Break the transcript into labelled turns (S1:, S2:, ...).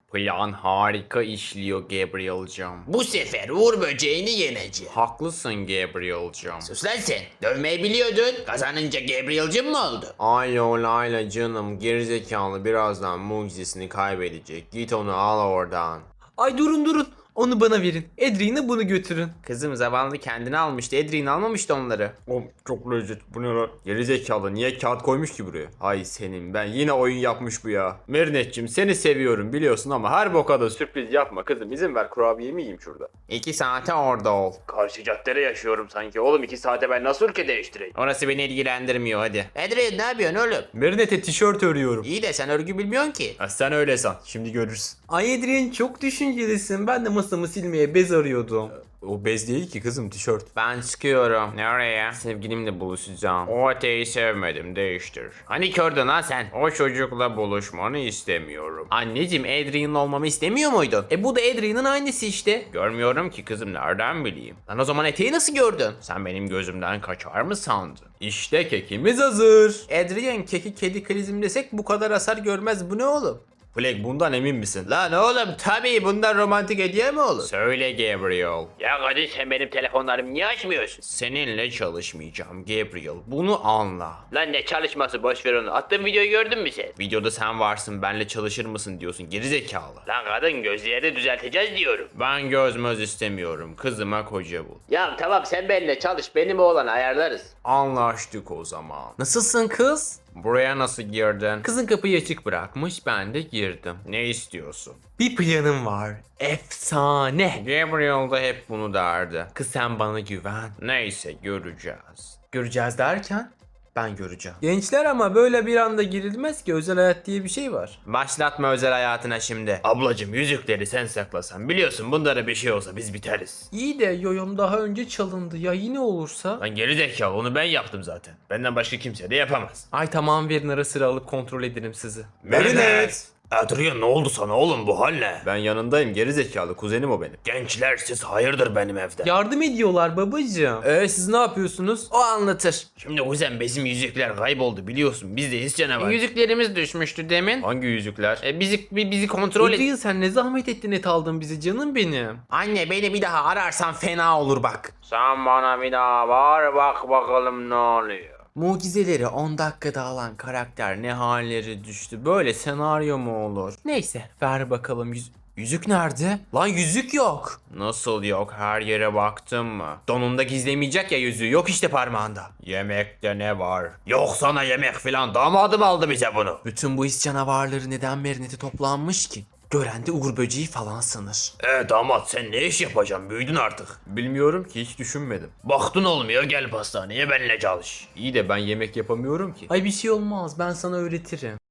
S1: Plan harika işliyor Gabriel'cığım.
S2: Bu sefer Uğur böceğini yeneceğim.
S1: Haklısın Gabriel'cığım.
S2: Sus lan sen. Dövmeyi biliyordun. Kazanınca Gabriel'cim mi oldu?
S1: Ay olayla canım, gerizekalı birazdan mucizesini kaybedecek. Git onu al oradan.
S3: Ay durun. Onu bana verin. Edri'ne bunu götürün.
S1: Kızım zavallı kendini almıştı. Edrin almamıştı onları. O çok lezzet. Bu ne lan? Gerizekalı niye kağıt koymuş ki buraya? Ay senin, ben yine oyun yapmış bu ya. Merinetçim seni seviyorum biliyorsun ama her boka da sürpriz yapma kızım. İzin ver kurabiyemi yiyeyim şurada. 2 saate orada ol. Karşı caddede yaşıyorum sanki. Oğlum 2 saate ben nasıl ülke değiştireyim? Orası beni ilgilendirmiyor hadi.
S2: Edriye ne yapıyorsun oğlum?
S1: Merinet'e tişört örüyorum.
S2: İyi de sen örgü bilmiyorsun ki.
S1: Ha, sen öyle san. Şimdi görürsün.
S3: Ay Edri'nin çok düşüncelisin. Ben de masamı silmeye bez arıyordum.
S1: O bez değil ki kızım, tişört. Ben çıkıyorum. Nereye? Sevgilimle buluşacağım. O öteyi sevmedim, değiştir. Hani kördün lan sen? O çocukla buluşmanı istemiyorum. Anneciğim, Adrian'ın olmamı istemiyor muydun?
S3: Bu da Edri'nin annesi işte.
S1: Görmüyorum ki kızım, nereden bileyim? Lan o zaman eteği nasıl gördün? Sen benim gözümden kaçar mı sandın? İşte kekimiz hazır.
S3: Adrian keki kedi krizim desek bu kadar hasar görmez. Bu ne oğlum?
S1: Flag, bundan emin misin?
S2: Lan oğlum tabii bundan romantik hediye mi olur?
S1: Söyle Gabriel.
S2: Ya kadın sen benim telefonlarımı niye açmıyorsun?
S1: Seninle çalışmayacağım Gabriel. Bunu anla.
S2: Lan ne çalışması, boş ver onu. Attığım videoyu gördün mü sen?
S1: Videoda sen varsın, benle çalışır mısın diyorsun, gerizekalı.
S2: Lan kadın gözleri düzelteceğiz diyorum.
S1: Ben gözmöz istemiyorum. Kızıma koca bul.
S2: Ya tamam sen benimle çalış, benim oğlanı ayarlarız.
S1: Anlaştık o zaman.
S3: Nasılsın kız?
S1: Buraya nasıl girdin?
S3: Kızın kapıyı açık bırakmış, ben de girdim.
S1: Ne istiyorsun?
S3: Bir planım var. Efsane.
S1: Gabriel da hep bunu derdi.
S3: Kız sen bana güven.
S1: Neyse, göreceğiz.
S3: Göreceğiz derken ben göreceğim. Gençler ama böyle bir anda girilmez ki, özel hayat diye bir şey var.
S1: Başlatma özel hayatına şimdi. Ablacım, yüzükleri sen saklasan. Biliyorsun bunlara bir şey olsa biz biteriz.
S3: İyi de yoyom daha önce çalındı, ya yine olursa?
S1: Lan gerizekalı, onu ben yaptım zaten. Benden başka kimse de yapamaz.
S3: Ay tamam, verin, ara sıra alıp kontrol ederim sizi.
S1: Merinet! Adrian, ne oldu sana oğlum, bu hal ne? Ben yanındayım gerizekalı, kuzenim o benim. Gençler, siz hayırdır benim evde?
S3: Yardım ediyorlar babacığım. Siz ne yapıyorsunuz? O anlatır.
S1: Şimdi kuzen, bizim yüzükler kayboldu biliyorsun, biz de his canavar.
S3: Yüzüklerimiz düşmüştü demin.
S1: Hangi yüzükler?
S3: Bizi kontrol et. Sen ne zahmet ettin, et aldın bizi canım benim.
S2: Anne beni bir daha ararsan fena olur bak.
S1: Sen bana bir daha var, bak bakalım ne oluyor.
S3: Mucizeleri 10 dakikada alan karakter ne halleri düştü. Böyle senaryo mu olur? Neyse, ver bakalım yüzük nerede? Lan yüzük yok.
S1: Nasıl yok, her yere baktın mı?
S3: Donunda gizlemeyecek ya yüzüğü, yok işte parmağında.
S1: Yemekte ne var? Yok sana yemek filan, damadım aldı bize bunu.
S3: Bütün bu his canavarları neden Merinet'e toplanmış ki? Gören de Uğur böceği falan sanır.
S1: Damat, sen ne iş yapacaksın, büyüdün artık. Bilmiyorum ki, hiç düşünmedim. Baktın olmuyor, gel pastaneye benimle çalış. İyi de ben yemek yapamıyorum ki.
S3: Ay bir şey olmaz, ben sana öğretirim.